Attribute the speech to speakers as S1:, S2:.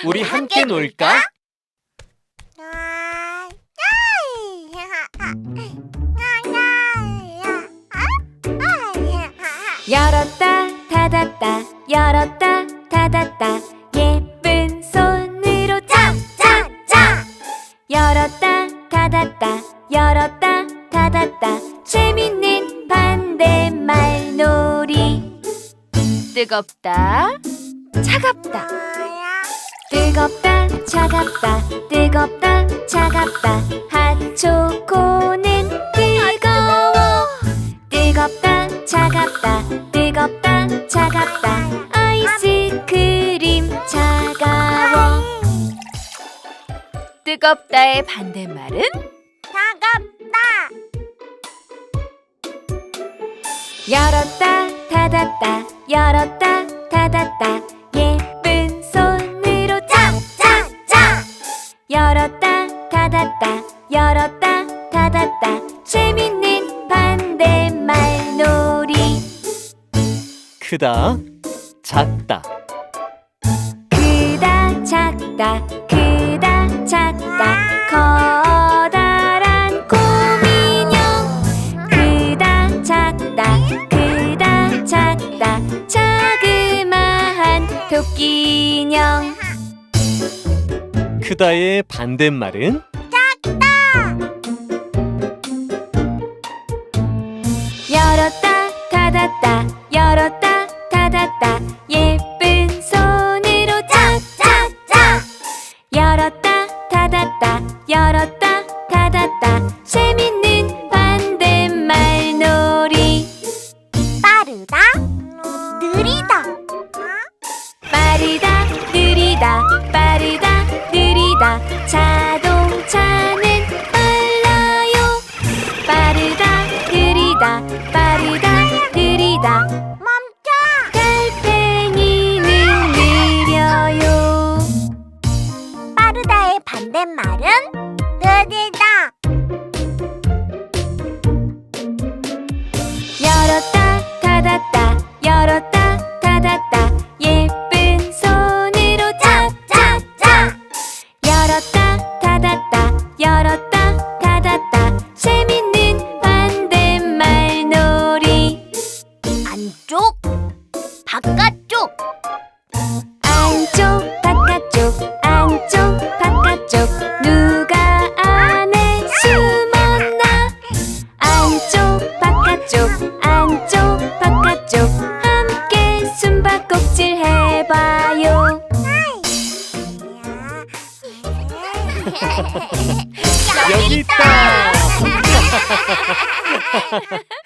S1: 우리 함께 놀까?
S2: 열었다 닫았다 열었다 닫았다 예쁜 손으로 짝짝짝 열었다 닫았다 열었다 닫았다 재밌는 반대말 놀이 뜨겁다 차갑다 뜨겁다 차갑다 뜨겁다 차갑다 핫초코는 뜨거워 뜨겁다 차갑다 뜨겁다 차갑다 아이스크림 차가워 뜨겁다의 반대말은
S3: 차갑다.
S2: 열었다 닫았다 열었다 닫았다 예쁜 손으로 짝짝짝 열었다 닫았다 열었다 닫았다 재밌는 반대말 놀이
S1: 크다, 작다.
S2: 크다 작다 크다 작다 커다란 곰인형 크다 작다 크다 작다 자그마한 토끼인형
S1: 크다의 반대말은
S2: 열었다 닫았다 열었다 닫았다 예쁜 손으로 짝짝짝 열었다 닫았다 열었다 닫았다 재밌는 반대말 놀이
S3: 빠르다. 느리다.
S2: 빠르다 느리다 빠르다 느리다 자동차는 빨라요 빠르다 느리다 빠르다 느리다
S3: 멈춰.
S2: 달팽이는 느려요
S3: 빠르다의 반대말은 느리다.
S2: 열었다 닫았다 열었다 닫았다 예쁜 손으로 짝짝짝 열었다 닫았다 열었다 닫았다 재밌는 반대말 놀이
S3: 안쪽, 바깥쪽.
S2: 안쪽 바깥쪽 안쪽 바깥쪽 누가 안에 숨었나 안쪽 바깥쪽 안쪽 바깥쪽 함께 숨바꼭질 해봐요
S1: 여기 있다.